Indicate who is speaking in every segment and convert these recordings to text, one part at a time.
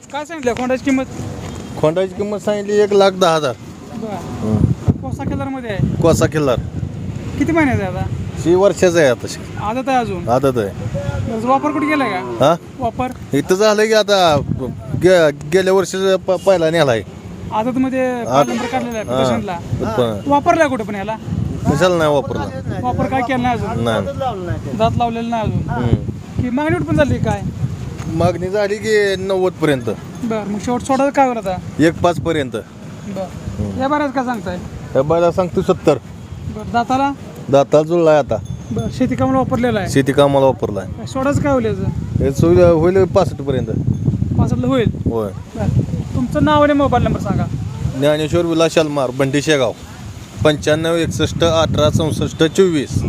Speaker 1: काय सांगितलं खोंडाची किंमत?
Speaker 2: खोंडाची किंमत सांगितली 1,10,000.
Speaker 1: बरं. कोसा कलरमध्ये आहे.
Speaker 2: कोसा किल्लार
Speaker 1: किती महिन्याचं आहे आता?
Speaker 2: ही वर्षाचं आहे आता.
Speaker 1: आदत आहे अजून.
Speaker 2: आदत आहे.
Speaker 1: बरं, वापर कुठे गेलाय का?
Speaker 2: हा
Speaker 1: वापर
Speaker 2: इथं झालं की आता गेल्या वर्षी पहिला नेला आहे.
Speaker 1: आदतमध्ये नंबर काढलेला आहे प्रदर्शनला. वापरलाय कुठे पण याला?
Speaker 2: कशाला नाही वापरला.
Speaker 1: वापर काय केला नाही अजून?
Speaker 2: नाही.
Speaker 1: दात लावलेलं नाही अजून. की मागणी पण झाली काय?
Speaker 2: मागणी झाली की 90 पर्यंत.
Speaker 1: बरं, मग शेवट सोडायचं काय होतं आता?
Speaker 2: 1,5 पर्यंत.
Speaker 1: बरं, या बऱ्याच काय सांगताय?
Speaker 2: हे बायला सांगतो 70.
Speaker 1: बरं, दाताला?
Speaker 2: दाताला जुळलाय आता.
Speaker 1: बरं, शेती कामाला वापरलेला आहे.
Speaker 2: शेती कामाला वापरलाय.
Speaker 1: सोडायचं काय होईल याचं?
Speaker 2: हे सुविधा होईल 65 पर्यंत.
Speaker 1: 65 होईल.
Speaker 2: होय.
Speaker 1: बरं, तुमचं नाव आणि मोबाईल नंबर सांगा.
Speaker 2: ज्ञानेश्वर विलास शालमार, बंडी शेगाव, 95 61 18 64 24.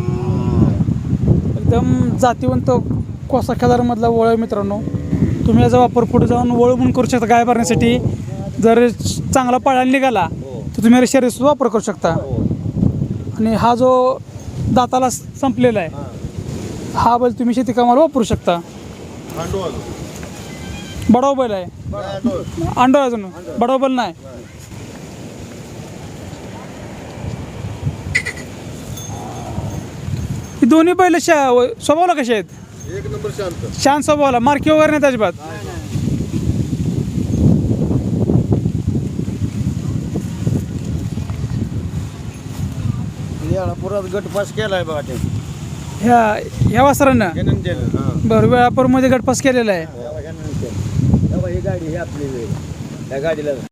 Speaker 1: एकदम जातीवंत कोसा खेळाडूमधला वळ आहे मित्रांनो. तुम्ही याचा वापर पुढे जाऊन वळ म्हणून करू शकता. गाय भरण्यासाठी जर चांगला पळायला निघाला तर तुम्ही शरीर वापर करू शकता. आणि हा जो दाताला संपलेला आहे हा बैल तुम्ही शेती कामाला वापरू शकता. बडाव बैल आहे. अंडो अजून बडाव बैल नाही. ही दोन्ही बैल स्वभावाला कसे आहेत?
Speaker 2: एक नंबर शांत.
Speaker 1: शांत स्वभावाला, मार्की वगैरे नाही अजिबात.
Speaker 3: पुरात गट पास केलाय बघा ते
Speaker 1: ह्या वासरानं. बरं, वेळापूरमध्ये गटपास केलेला आहे.
Speaker 3: ही गाडी ही आपली त्या गाडीला